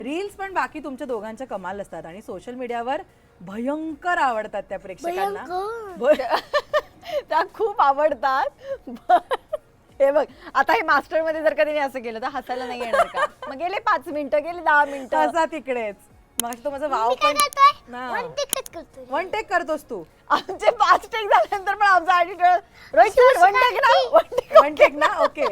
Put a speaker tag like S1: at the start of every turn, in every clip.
S1: Reels पण बाकी तुमच्या दोघांच्या कमाल असतात आणि सोशल मीडियावर भयंकर आवडतात त्या प्रेक्षकांना.
S2: त्या खूप आवडतात. हे बघ आता हे मास्टर मध्ये जर का तिने असं केलं तर हसायला नाही येणार का? मग गेले 5 मिनिटं गेले 10 मिनिटं
S1: असा तिकडेच. मग तो माझा वाव पण वन टेक करतोस तू.
S2: आमचे 5 टेक झाल्यानंतर पण आमचा ॲटिट्यूड रोहित वन टेक ना
S1: वन टेक ना ओके.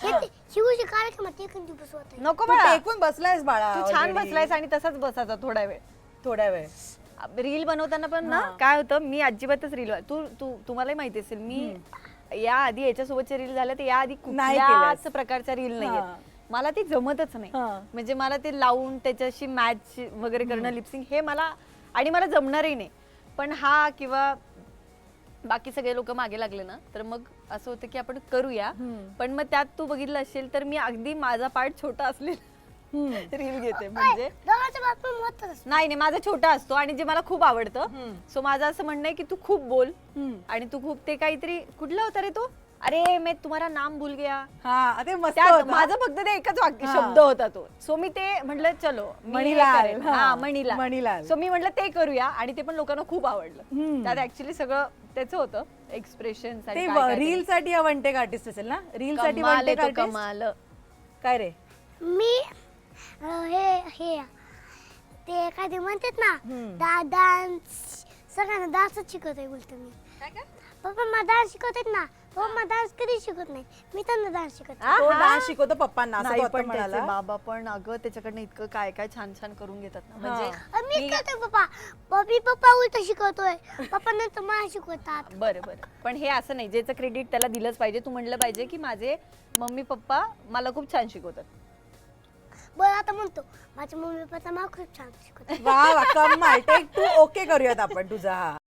S2: नको
S1: तू
S2: बाळा
S1: टेकून बसलायस बाळा.
S2: तू छान
S1: already.
S2: बसलायस आणि तसाच बसायचा थोडा वेळ.
S1: थोड्या वेळ.
S2: रील बनवताना पण ना काय होतं मी अजिबातच रील तुम्हालाही माहिती असेल मी या आधी याच्यासोबतचे रील झाले तर या आधी
S1: नाही
S2: कुठल्याच
S1: केलंस.
S2: प्रकारच्या रील
S1: हा.
S2: नाहीये. मला ते जमतच नाही.
S1: हा.
S2: म्हणजे मला ते लावून त्याच्याशी मॅच वगैरे करणं लिपसिंग हे मला आणि मला जमणारही नाही. पण हा किंवा बाकी सगळे लोक मागे लागले ना तर मग असं होतं की आपण करूया. पण मग त्यात तू बघितलं असेल तर मी अगदी माझा पार्ट छोटा असलेला रील घेते. म्हणजे नाही नाही माझा छोटा असतो आणि जे मला खूप आवडतं. सो माझं असं म्हणणं आहे की तू खूप बोल आणि तू खूप ते काहीतरी कुठला होता रे तो अरे मैं तुम्हारा नाम भूल गया.
S1: हा ते मस्त
S2: त्यात
S1: होतं.
S2: माझं फक्त ते एकच वाक्य शब्द होता तो. सो मी ते म्हटलं चलो मी हे
S1: मणिलाल.
S2: करेन.
S1: हा,
S2: हा मणिलाल.
S1: मणिलाल.
S2: सो मी म्हटलं ते करूया आणि ते पण लोकांना खूप आवडलं. त्यात ऍक्च्युली सगळं त्याचं होतं एक्सप्रेशन
S1: ते रील साठी हा वन टेक आर्टिस्ट असेल ना. रील साठी वन टेक आर्टिस्ट
S2: कमाल.
S1: काय रे.
S3: मी हे ते काय ते म्हणतात ना डान्स सगळ्यांना डान्सच शिकवतोय बोलतो मी. पप्पा मला डान्स शिकवतात ना. पप्पा मला डान्स कधी शिकवत नाही मी त्यांना डान्स शिकवते.
S1: तो डान्स शिकवतो पप्पांना असं
S2: नाही
S1: तो आता
S2: पण त्याचे
S1: म्हणाला.
S2: बाबा पण अगं त्याच्याकडनं इतकं काय काय छान छान करून घेतात ना. म्हणजे
S3: मी करतोय पप्पा पप्पा उलट शिकवतोय पप्पा नंतर मला शिकवतात.
S2: बरं बरं पण हे असं नाही ज्याचं क्रेडिट त्याला दिलंच पाहिजे. तू म्हणलं पाहिजे की माझे मम्मी पप्पा मला खूप छान शिकवतात.
S3: बरं आता म्हणतो माझ्या मम्मी पप्पा मला खूप छान शिकवतात.
S1: वा वा कमाल. टेक 2 ओके करूयात आपण तुझा हा.